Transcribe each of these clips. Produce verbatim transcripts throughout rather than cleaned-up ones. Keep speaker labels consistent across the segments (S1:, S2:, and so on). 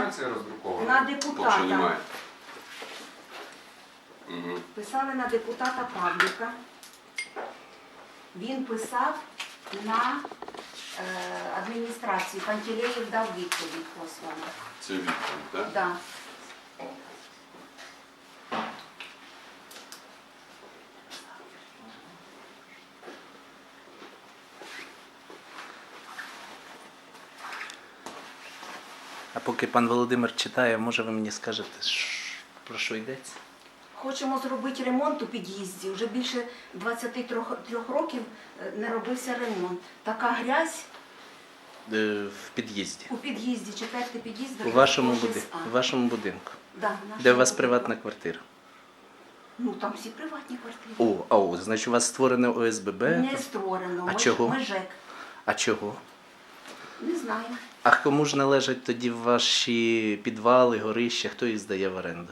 S1: квитанція роздрукована?
S2: На
S1: Поки що
S2: депутата.
S1: немає. Угу.
S2: Писали на депутата Павліка. Він писав на е, адміністрацію. Пантелеєв дав відповідь послану.
S1: Це відповідь, так?
S2: Да.
S3: А поки пан Володимир читає, може ви мені скажете, про що йдеться?
S2: Хочемо зробити ремонт у під'їзді. Вже більше двадцяти трьох років не робився ремонт. Така грязь
S3: Е, В під'їзді.
S2: у під'їзді, четвертий під'їзд.
S3: У вашому,
S2: офіс
S3: буди...
S2: А.
S3: у вашому будинку.
S2: Да, в нашому
S3: Де у вас
S2: будинку.
S3: приватна квартира?
S2: Ну, там всі приватні квартири.
S3: О, а о, значить у вас створене О С Б Б?
S2: Не створено.
S3: А
S2: Ми-
S3: чого?
S2: Ми ЖЕК.
S3: А чого?
S2: Не знаю.
S3: А кому ж належать тоді ваші підвали, горища, хто їх здає в оренду?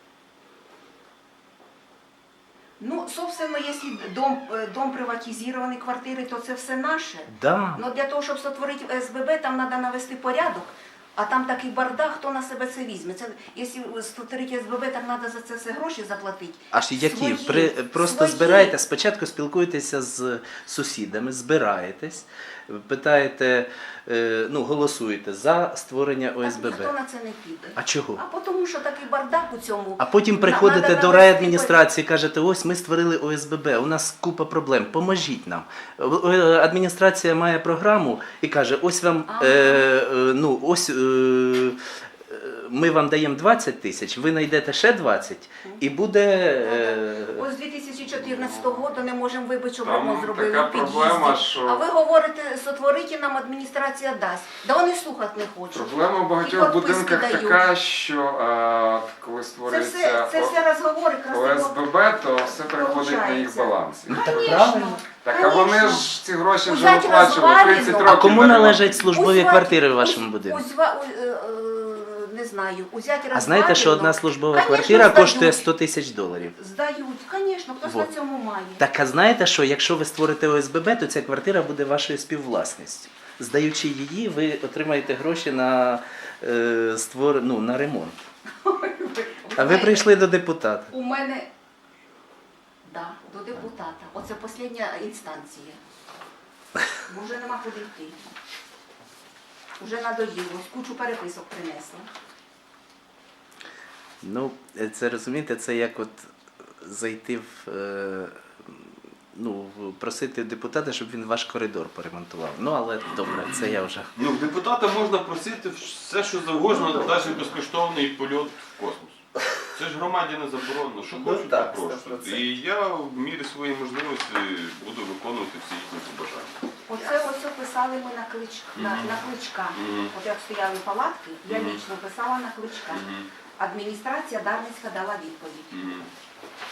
S2: Ну, собственно, якщо дом, е, дом приватизований, квартири, то це все наше.
S3: Да.
S2: Но для того, щоб створити О С Б Б, там треба навести порядок, а там такий бардак, хто на себе це візьме. Це, якщо створити О С Б Б, так треба за це все гроші заплатити.
S3: Аж які?
S2: Свої,
S3: При, просто
S2: свої.
S3: збираєте, спочатку спілкуєтеся з сусідами, збираєтесь, питаєте, е, ну, голосуєте за створення О С Б
S2: Так ніхто
S3: Б.
S2: на це не піде.
S3: А чого?
S2: А тому, що такий бардак у цьому.
S3: А потім
S2: На-
S3: приходите
S2: надо
S3: до
S2: навести
S3: райадміністрації і кажете, ось ми створили О С Б Б, у нас купа проблем, поможіть нам. Е, Адміністрація має програму і каже, ось вам,
S2: Ага.
S3: е, е, ну, ось, е, е, ми вам даємо двадцять тисяч, ви знайдете ще двадцять і буде... Е,
S2: Ось з дві тисячі чотирнадцятого року не можемо вибити, щоб
S1: Там
S2: ремонт зробили
S1: така
S2: в під'їзді.
S1: проблема, що-
S2: А ви говорите, сотворите, нам адміністрація дасть. Да вони слухати не хочуть.
S1: Проблема в
S2: І
S1: багатьох
S2: підписки
S1: будинках
S2: дають.
S1: така, що а, коли
S2: Це
S1: створюється
S2: все, це все розговори
S1: О
S2: красиво.
S1: С Б Б, то все приходить на їх
S2: Получається.
S1: баланс.
S3: ну, так
S2: Конечно.
S3: правильно.
S1: Так, а вони
S2: Конечно.
S1: ж ці гроші вже
S2: Взять
S1: виплачували
S2: розвалено.
S1: тридцять
S2: А
S1: років.
S3: А кому
S1: на ремонт.
S3: належать службові
S2: Узва-
S3: квартири в
S2: уз-
S3: вашому будинку?
S2: узва- у- е, е, не знаю, узять
S3: А знаєте, що одна службова
S2: Конечно,
S3: квартира
S2: здають.
S3: коштує сто тисяч доларів?
S2: Здають, звісно, хтось
S3: Вот.
S2: на цьому має.
S3: Так, а знаєте, що якщо ви створите О С Б Б, то ця квартира буде вашою співвласністю. Здаючи її, ви отримаєте гроші на, е, створ... ну, на ремонт. А ви прийшли до депутата.
S2: У мене, да, до депутата. Оце остання інстанція. Бо вже нема куди йти. Вже надоїлось, кучу переписок принесла.
S3: Ну, це розумієте, це як от зайти в. Е, ну, просити депутата, щоб він ваш коридор поремонтував. Ну, але добре, це я вже.
S4: Ну, в депутата можна просити все, що завгодно, навіть безкоштовний польот в космос. Це ж громаді не заборонено. Що
S3: Ну,
S4: хочуть,
S3: так,
S4: то
S3: сто
S4: просять.
S3: процентів.
S4: І я в мірі своєї можливості буду виконувати всі їхні побажання.
S2: Оце ось писали ми на, клич... на,
S4: Мгм.
S2: на кличка.
S4: Мгм.
S2: От як стояли палатки, я
S4: Мгм.
S2: лічно писала на кличка.
S4: Мгм.
S2: Адміністрація Дарницька дала відповідь.
S4: Мгм.